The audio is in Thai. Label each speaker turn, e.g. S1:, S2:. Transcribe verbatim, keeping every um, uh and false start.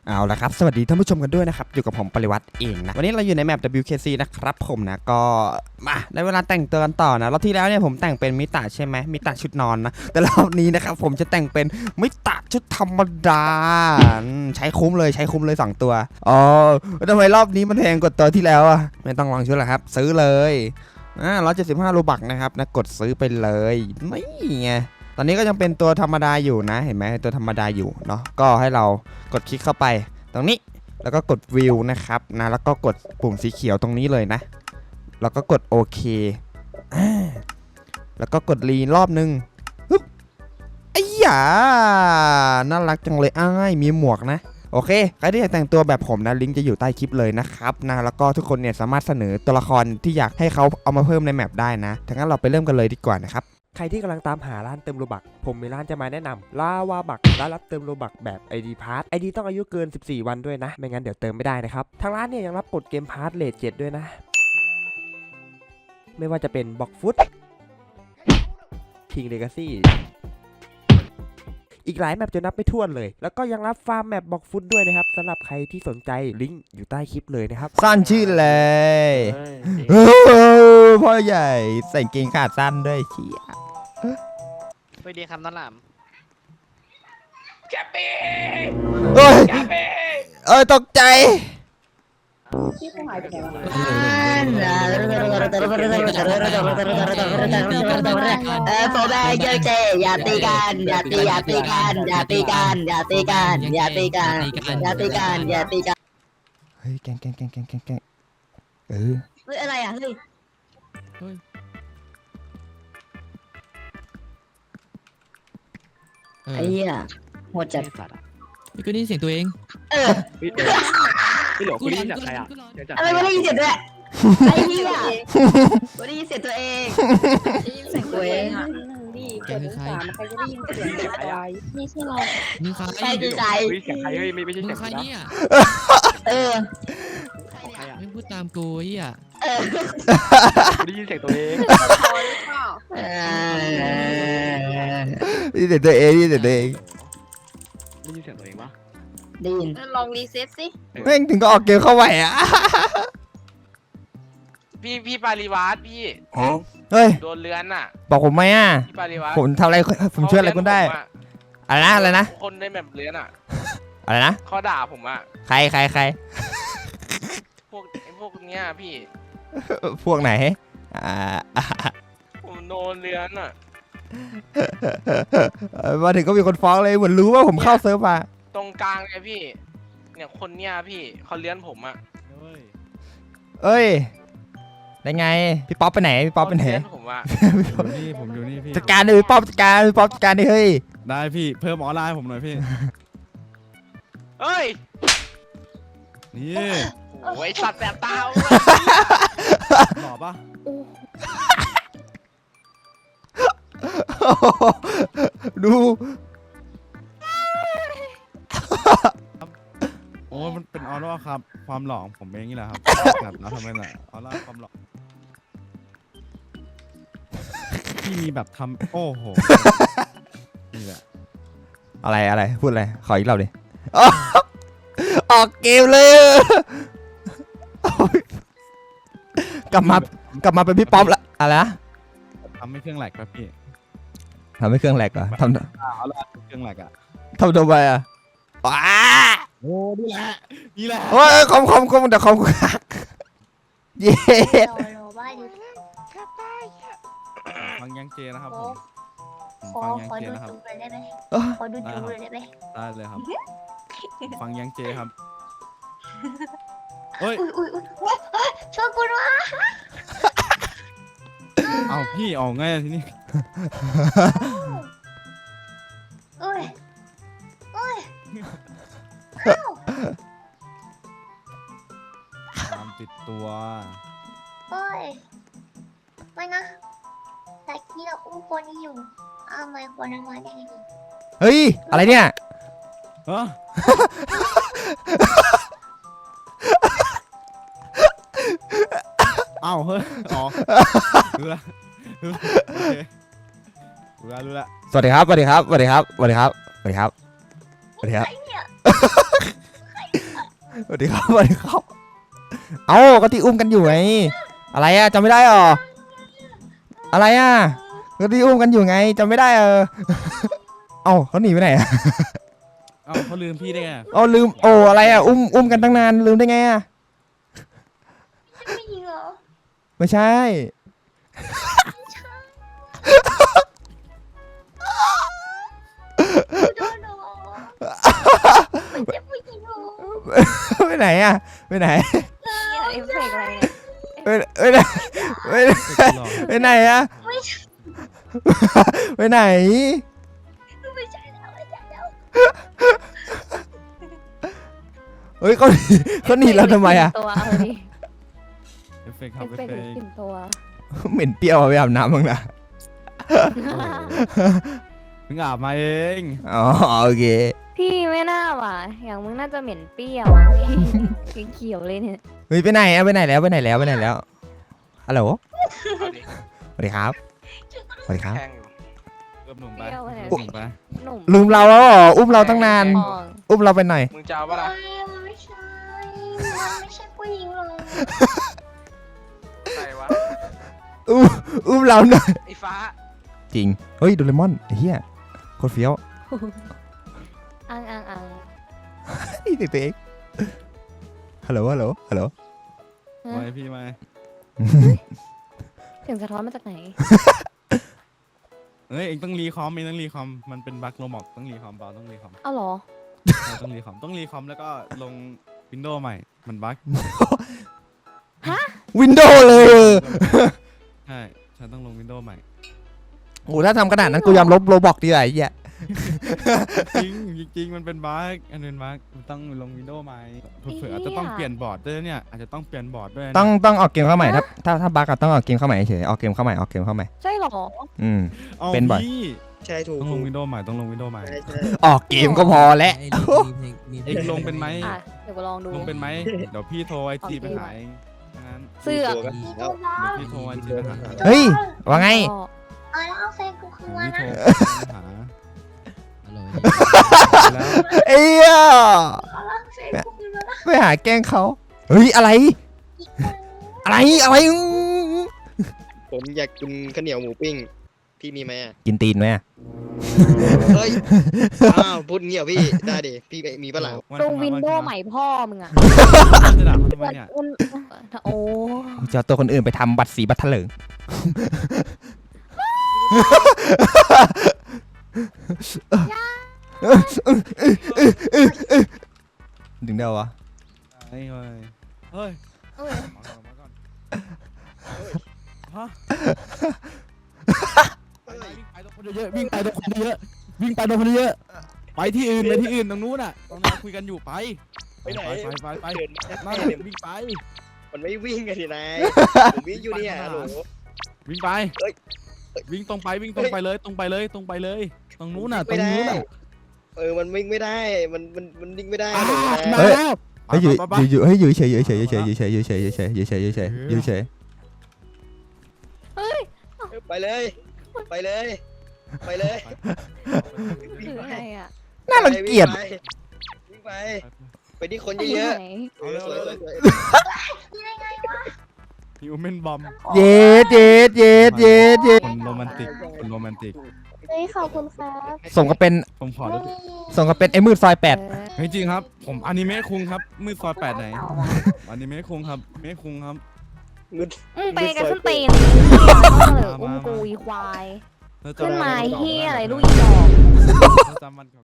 S1: เอาละครับสวัสดีท่านผู้ชมกันด้วยนะครับอยู่กับผมปริวัติเองนะวันนี้เราอยู่ในแมป ดับเบิลยู เค ซี นะครับผมนะก็มาได้เวลาแต่งตัวกันต่อนะรอบที่แล้วเนี่ยผมแต่งเป็นมิตะใช่ไหมมิตะชุดนอนนะแต่รอบนี้นะครับผมจะแต่งเป็นมิตะชุดธรรมดาใช้คุ้มเลยใช้คุ้มเลยสองตัวอ๋อทำไมรอบนี้มันแพงกว่าตัวที่แล้วอ่ะไม่ต้องลองชุดละครับซื้อเลยอ่าร้อยเจ็ดสิบห้าโลบักนะครับนะกดซื้อไปเลยนี่ไงตอนนี้ก็ยังเป็นตัวธรรมดาอยู่นะเห็นไหมตัวธรรมดาอยู่เนาะก็ให้เรากดคลิกเข้าไปตรงนี้แล้วก็กดวิวนะครับนะแล้วก็กดปุ่มสีเขียวตรงนี้เลยนะแล้วก็กดโอเคแล้วก็กดรีรอบนึงฮึบไอ้หยาน่ารักจังเลยอ้ายมีหมวกนะโอเคใครที่อยากแต่งตัวแบบผมนะลิงก์จะอยู่ใต้คลิปเลยนะครับนะแล้วก็ทุกคนเนี่ยสามารถเสนอตัวละครที่อยากให้เขาเอามาเพิ่มในแมปได้นะทั้งนั้นเราไปเริ่มกันเลยดีกว่านะครับใครที่กำลังตามหาร้านเติมโลบักผมมีร้านจะมาแนะนำลาวาบักร้านรับเติมโลบักแบบ ไอ ดี Pass ไอ ดี ต้องอายุเกินสิบสี่วันด้วยนะไม่งั้นเดี๋ยวเติมไม่ได้นะครับทางร้านเนี่ยยังรับกดเกมพาร์ทเลทเจ็ดด้วยนะไม่ว่าจะเป็นบ็อกฟุตคิงเลกาซี่อีกหลายแมปจะนับไม่ถ้วนเลยแล้วก็ยังรับฟาร์มแมปบ็อกฟุตด้วยนะครับสำหรับใครที่สนใจลิงก์อยู่ใต้คลิปเลยนะครับสั้นชื่อเลยพ่อใหญ่ใส่เกงขาสั้นด้วยเชี่ย
S2: สวัสดีครับน้องหลาม
S3: แกปี้
S1: เอ้ย
S3: แกปี้
S1: เอ้ยตกใจ
S4: พี่เขาหายไปไหนวะ
S5: เออผมแม่เยอะเจอย่าตีกันอย่าตีอย่าตีกันอย่าตีกันอย่าตีกันอย่าตีกันอย่าตีกันอย่าตีกัน
S1: เฮ้ยแกงแกงแกงแกงแกงแกงเออ
S5: เฮ้ยอะไรอ่ะเฮ้ยไอ้เหี้ยโหดจัด
S6: นี่ก็ได้ยินเสียงตัวเอง
S5: เออ
S3: พี่หลวงคุณได้ยินจากใครอ่ะ
S5: อะไรไม่ได้ยินเสียงด้วยไอ้เหี้ยไม่ได้ยินเสียงตัวเองได้ยินเสียงตัวเองอ่ะ
S4: ดิเปิดสามใครจะได้ยินเสียงอะไรนี่ใช่เรา
S6: มึงใคร
S5: ใครดีใจ
S3: เสียงใครเฮ้ยไม่ไม่ใช่
S6: มึ
S3: เสีย
S6: ง
S3: ง
S6: ใครเนี่ย
S5: เออ
S6: ไม่พูดตามกูไอ้เหี้ย
S5: เออ
S3: ได้ยินเสียงตัวเอง
S1: นี่แต่ตัวเองนี่แต่ตัวเอง
S3: ได้ยินเสียงตัวเองปะ
S5: ได้ยิน
S4: ลองรีเซ็ตสิ
S1: แม่งถึงก็ออกเกมเข้าไปอ่ะ
S3: พี่พี่ปาริวัตพี่
S1: เฮ้ย
S3: โดนเลื้อนอ่ะ
S1: บอกผมไหมอ่ะ
S3: พี่ปาริวัต
S1: ผมทำอะไรผมช่วยอะไรคุณได้อะไรนะอะไรนะ
S3: คนในแบบเลื้อนอ่ะ
S1: อะไรนะ
S3: เขาด่าผมอ่ะ
S1: ใครใครใคร
S3: พวกไอ้พวกเนี้ยพี่
S1: พวกไหนอ่า
S3: ผมโดนเลื้อนอ่ะ
S1: มาถึงก็มีคนฟ้องเลยเหมือนรู้ว่าผมเข้าเซิร์ฟมา
S3: ตรงกลางเลยพี่เนี่ยคนเนี้ยพี่เขาเลื้อนผมอ่ะ
S1: เอ้ยได้ไงพี่ป๊อปไปไหนพี่ป๊อปไปไหน
S3: ผมอ่ะ
S7: อยู่นี่ผมอยู่นี่พี่
S1: จัดการดิพี่ป๊อปจัดการพี่ป๊อปจัดการดิเฮ้ย
S7: ได้พี่เพิ่มออนไลน์ผมหน่อยพี่
S3: เฮ้ย
S7: นี่
S3: โอ้ยสัตว์แบบตา
S7: หล่อปะ
S1: ดู
S7: โอ้มันเป็นออร่าครับความหล่อของผมเองนี่แหละครับแบบแล้วทำไมล่ะออร่าความหล่อพี่มีแบบทำโอ้โหนี่แหละ
S1: อะไรอะไรพูดอะไรขออีกรอบดิออกเกมเลยกลับมากลับมาเป็นพี่ป๊อปละอะไรนะ
S7: ทำให้เครื่องแหลกครับพี่
S1: ทำให้เครื่องแหลกอ่ะทำ
S7: เอาละเครื่องแหลกอ่ะ
S1: ทำทำไมอ่ะว้า
S7: โอ้นี่แหละนี่แหละ
S1: โอ้ยคอมคอมคอมแต่คอมคักเย้
S7: ฟังยังเจนะครับผม
S5: ขอขอดูจูเลยได้ไหมขอดูจูเลยได้ไหม
S7: ได้เลยครับฟังยังเจครับเฮ้ย
S5: ช่วยกูด้วย
S7: เอาพี่ออกไงทีนี้
S5: โอ้ยโอ้ย
S7: ตามติดตัว
S5: โอ้ยไม่นะแต่ที่เราอุ้มคนนี้อยู่อ้าวไม่คนนั้นมาได้ไง
S1: เฮ้ยอะไรเนี่ย
S7: ฮะเอ้าเฮ้ยอ๋อรู้ละรู้ละโอเครู้ละรู้ละ
S1: สวัสดีครับสวัสดีครับสวัสดีครับสวัสดีครับสวัสดีครับสวัสดีครับสวัสดีครับสวัสดีครับเอ้าก็ที่อุ้มกันอยู่ไงอะไรอะจำไม่ได้หรออะไรอะก็ที่อุ้มกันอยู่ไงจำไม่ได้เออเอ้าเขาหนีไปไหนอะ
S7: เอ้าเขาลืมพี่ได้ไง
S1: เอาลืมโอ้อะไรอะอุ้มอุ้มกันตั้งนานลืมได้ไงอะ
S4: ไม่ยิงเหรอ
S1: ไม่ใช่
S4: โดนเหรอมันจะผู้หญิงเหรอ
S1: ไปไหนอะไปไหน
S4: เอฟเฟกต์อะไรเนี่ย
S1: ไปไปไหนไปไหน
S7: หรอ
S1: ไปไหนอะไปไหน
S4: ไม่ใช่แล้วไม่ใช่แล้ว
S1: เฮ้ยเขาหนีเขาหนีเราทำไมอะ
S4: ตัวเอาดิ
S7: เอฟเฟกต์ค
S4: เอ
S7: รับ
S4: ฟ
S7: เอฟ
S4: เฟก
S7: เฟ
S4: ต์
S7: กต์
S4: กลิ่นตัว
S1: เหม็นเปรี้ยวอะไปอาบน้ำบ้างนะ
S7: เพิ่งอาบมาเอง
S1: อ๋อโอเค
S4: พี่ไม่น่าว่ะอย่างมึงน่าจะเหม็นเปรี้ยวพี่เขียวเลยเนี่ย
S1: เฮ้ยไปไหนอะไปไหนแล้วไปไหนแล้วไปไหนแล้วฮัลโหล
S3: เอาดิ
S1: สวัสดีครับสวัสดีครับ
S3: แข่งอยู่
S7: เริ่มหนุ่มไป
S4: เปรี้ยวไปไหน
S7: เริ่มหนุ่มไป
S4: หนุ่ม
S1: ลืมเราแล้วเหรออุ้มเราตั้งนาน
S4: ทอง
S1: อุ้มเราไปหน่อย
S3: มึงจะเอาปะล่ะ
S4: ไม่ใช่มันไม่ใช่ผู้หญิงหรอก
S3: ใส่วะ
S1: อุ้มอุ้มเราหน่อย
S3: ไอ้ฟ้า
S1: จริงเฮ้ยโดเรมอนไอ้เหี้ยโคตรเฟี้ยว
S4: อังอังอัง
S1: นี่เด็กตัวเองฮัลโหลฮัลโหลฮัลโหล
S7: ไม่พี่ไม่
S4: เสียงสะท้อนมาจากไหน
S7: เฮ้ยเองต้องรีคอมเองต้องรีคอมมันเป็นบั๊กโรบอกต้องรีคอมเปล่าต้องรีคอม
S4: เอาเหรอ
S7: ใช่ต้องรีคอมต้องรีคอมแล้วก็ลงวินโดว์ใหม่มันบั๊ก
S1: วินโดว์เลยเออ
S7: ใช่ฉันต้องลงวินโดว์ใหม่
S1: โอ้ถ้าทำขนาดนั้นกูยอมลบโรบอกดีกว่าไอ้เหี้ย
S7: จริงจริงมันเป็นบั๊กอันเป็นบั๊กมันต้องลงวินโดว์ใหม่เผื่อๆอาจจะต้องเปลี่ยนบอร์ดด้วยเนี่ยอาจจะต้องเปลี่ยนบอร์ดด้วยนะ
S1: ต้องต้องออกเกมเข้าใหม่ถ้าถ้าถ้าบั๊กอะต้องออกเกมเข้าใหม่เฉยออกเกมเข้าใหม่ออกเกมเข้าใหม่
S4: ใช่เหรอ
S1: อืม
S7: อา
S1: เป็นบ่อย
S7: พี่
S5: ใช่ถูก
S7: ต้องลงวินโดว์ใหม่ต้องลงวินโดว์ใหม่
S5: ใช่ใช่
S1: ออกเกมก็พอแล้ว
S7: เองลงเป็นไหม
S4: อ่ะเดี๋ยวกูลองดู
S7: ลงเป็นไหมเดี๋ยวพี่โทรไอจีไปหาเองงั้น
S4: เสื้อ
S5: ตัวกันแล้ว
S7: เดี๋ยวพี่โทรไอจีไปหา
S1: เฮ้ยว่าไง
S4: อ๋อแล้วเอาแฟนกูคืน
S7: พี่โทรไปหา
S6: อร่อย
S7: แล้ว
S1: เอ้ย
S4: แฟนกูคืนแล้วนะ
S1: ไปหาแกล้งเขาเฮ้ยอะไร อะไรอะไรอื้อ
S5: ผมอยากกินข้าวเหนียวหมูปิ้งพี่มีไหมอ่ะ
S1: กินตีนไหมอะ
S5: เฮ้ยอ้าวพูดเงี้ยพี่ได้ดิพี่มีปะล่ะ
S4: ลงวินโดว์ใหม่พ่อมึงอ่ะ
S7: จะด่าเขาทำไมเนี่ย
S4: โอ้
S1: จะเอาตัวคนอื่นไปทำบัตรสีบัตรเถลิงดึงได้วะ
S7: เฮ้ยเฮ้ยเฮ้ย
S4: เอ้ย
S7: มาก่อนมาก่อนฮะวิ่งไปตรงคนเยอะวิ่งไปตรงคนเยอะวิ่งไปตรงคนเยอะไปที่อื่นไปที่อื่นตรงนู้นอ่ะตรงนั้นคุยกันอยู่ไป
S5: ไปไหน
S7: ไปไปไป
S5: เดิน
S7: นั่นวิ่งไป
S5: มันไม่วิ่งกันทีนายผมวิ่งอยู่เนี่ยฮัลโหล
S7: วิ่งไป
S5: เฮ้ย
S7: วิ่งตรงไปวิ่งตรงไปเลยตรงไปเลยตรงไปเลย ตรงนู้นน่ะตรง
S5: ไม่ได้
S7: นู้นน่ะ
S5: เออมันวิ่งไม่ได้มันมันมันวิ่งไม่ได้
S7: อ่า
S5: ฮัลโหล
S7: มา
S5: นะ
S7: แล้ว
S1: เฮ้ยอยู่
S7: ไปไป
S1: อยู่อยู่เฮ้ยอยู่เฉยอยู่เฉยอยู่เฉยอยู่เฉยอยู่เฉยอยู่เฉยอยู่เฉยอยู่เฉยอยู่เฉย
S5: ไปเลย ไปเลย ไปเลย
S4: คืออะไรอ่ะ
S1: น่ารังเกียจ
S5: วิ่งไปไปที่คนเยอะ
S4: ไหน
S5: ๆเออสวยสวยสวย
S7: ฮิวแมนบอม
S1: เย็ดเย็ดเย็ดเย็ดเย็ด
S7: คนโรแมนติกคนโรแมนติก
S4: เฮ้ยขอบคุณครับ
S1: สมกับเป็น
S7: ผมขอดู
S1: สมกับเป็นไอ้มืดซอยแปด
S4: เออ
S7: เฮ้ยจริงครับ ผมอนิเมะคุงครับมืดซอยแปดไหนอนิเมะคุงครับเมะคุงครับ
S5: มึง
S4: อืมไปกันส้นตีนเหลืออุ้มกูอีควาย
S7: เธอ
S4: ขึ้น
S7: จำ
S4: มา
S7: วัน
S4: เฮียอะไรลูกอีดอก
S7: เธอจำวัน